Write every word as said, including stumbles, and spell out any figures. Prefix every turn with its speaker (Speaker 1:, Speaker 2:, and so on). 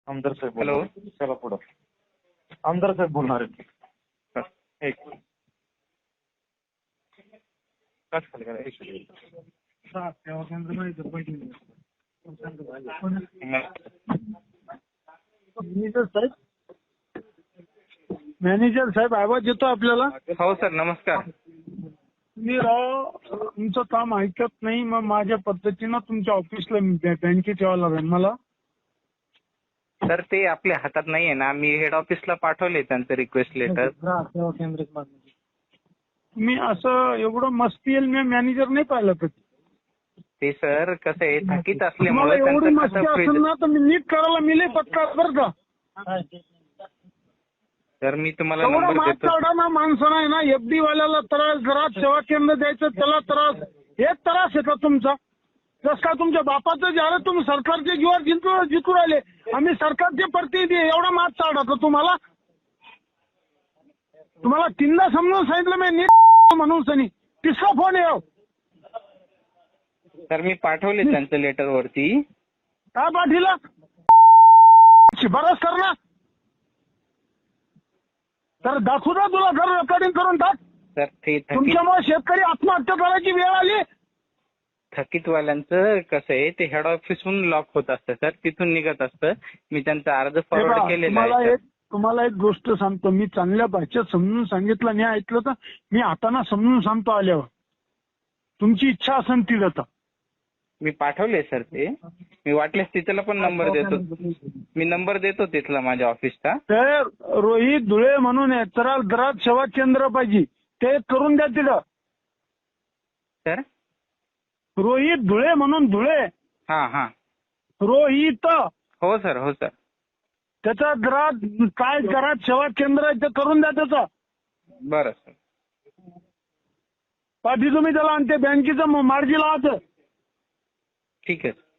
Speaker 1: आमदार साहेब
Speaker 2: हॅलो.
Speaker 1: बोलणार. चला पुढं. आमदार साहेब बोलणार आहेत.
Speaker 2: बस, एक कट खाली करा, एक मिनिट.
Speaker 3: मॅनेजर साहेब मॅनेजर साहेब आवाज येतो आपल्याला?
Speaker 2: हो सर, नमस्कार.
Speaker 3: मी राव तुमचं काम ऐकत नाही, मग माझ्या पद्धतीनं तुमच्या ऑफिसला बँकेत यावं लागेल मला.
Speaker 2: सर ते आपल्या हातात नाहीये ना, मी हेड ऑफिसला पाठवले त्यांचं रिक्वेस्ट लेटर.
Speaker 3: मी असं एवढं मस्ती येईल मी मॅनेजर नाही पाहिलं कधी.
Speaker 2: ते सर कसं आहे, थकीत
Speaker 3: तुम्हाला
Speaker 2: असल्यामुळे
Speaker 3: एवढी
Speaker 2: त्यांचं
Speaker 3: मस्ती
Speaker 2: खातं
Speaker 3: असेल
Speaker 2: फ्रीज.
Speaker 3: ना तर मी नीट करायला मिले पत्ता बरं का.
Speaker 2: सर मी तुम्हाला
Speaker 3: एवढा
Speaker 2: नंबर
Speaker 3: मात
Speaker 2: देतो.
Speaker 3: काढा ना माणसं आहे ना, एफडी वाल्याला त्रास, घरात सेवा केंद्र द्यायचं त्याला त्रास, हेच त्रास आहे का तुमचा? जस का तुमच्या बापाचं झालं, तुम्ही सरकारचे जीवावर जिंकू जिंकू राहिले, आम्ही सरकारचे प्रतिनिधी आहे, एवढा मात काढा का तुम्हाला? तुम्हाला तीनदा समजून सांगितलं मी नीट म्हणून सनी तिसरा फोन येऊ.
Speaker 2: सर मी पाठवले त्यांचं लेटर वरती.
Speaker 3: काय पाठीला शिफारस कर ना, तर दाखवू ना तुला, घर रेकॉर्डिंग करून टाक.
Speaker 2: सर ते थकीत
Speaker 3: तुमच्यामुळे शेतकरी आत्महत्या करायची वेळ आली.
Speaker 2: थकीतवाल्यांचं कसं आहे, ते हेड ऑफिसहून लॉक होत असतं सर, तिथून निघत असतं. मी त्यांचा अर्ज
Speaker 3: हे
Speaker 2: फॉरवर्ड
Speaker 3: पहा,
Speaker 2: केलेला
Speaker 3: तुम्हाला
Speaker 2: आहे
Speaker 3: एक तुम्हाला एक गोष्ट सांगतो, मी चांगल्या भाषेत समजून सांगितलं नाही ऐकलं तर मी हाताना समजून सांगतो आल्यावर. तुमची इच्छा असेल ती आता
Speaker 2: मी पाठवले सर ते. मी वाटल्यास तिथला पण नंबर देतो. मी नंबर देतो तिथला माझ्या ऑफिसचा.
Speaker 3: तर रोहित धुळे म्हणून आहे, तर दरात सेवा केंद्र पाहिजे, ते करून द्या तिथं.
Speaker 2: सर
Speaker 3: रोहित धुळे म्हणून, धुळे
Speaker 2: हां हां
Speaker 3: रोहित,
Speaker 2: हो सर, हो सर.
Speaker 3: त्याचा घरात काय घरात सेवा केंद्र आहे ते करून द्या त्याचं.
Speaker 2: बरं सर.
Speaker 3: पाठी तुम्ही त्याला आणि ते बँकेचं मार्जी लावायचं.
Speaker 2: ठीक आहे.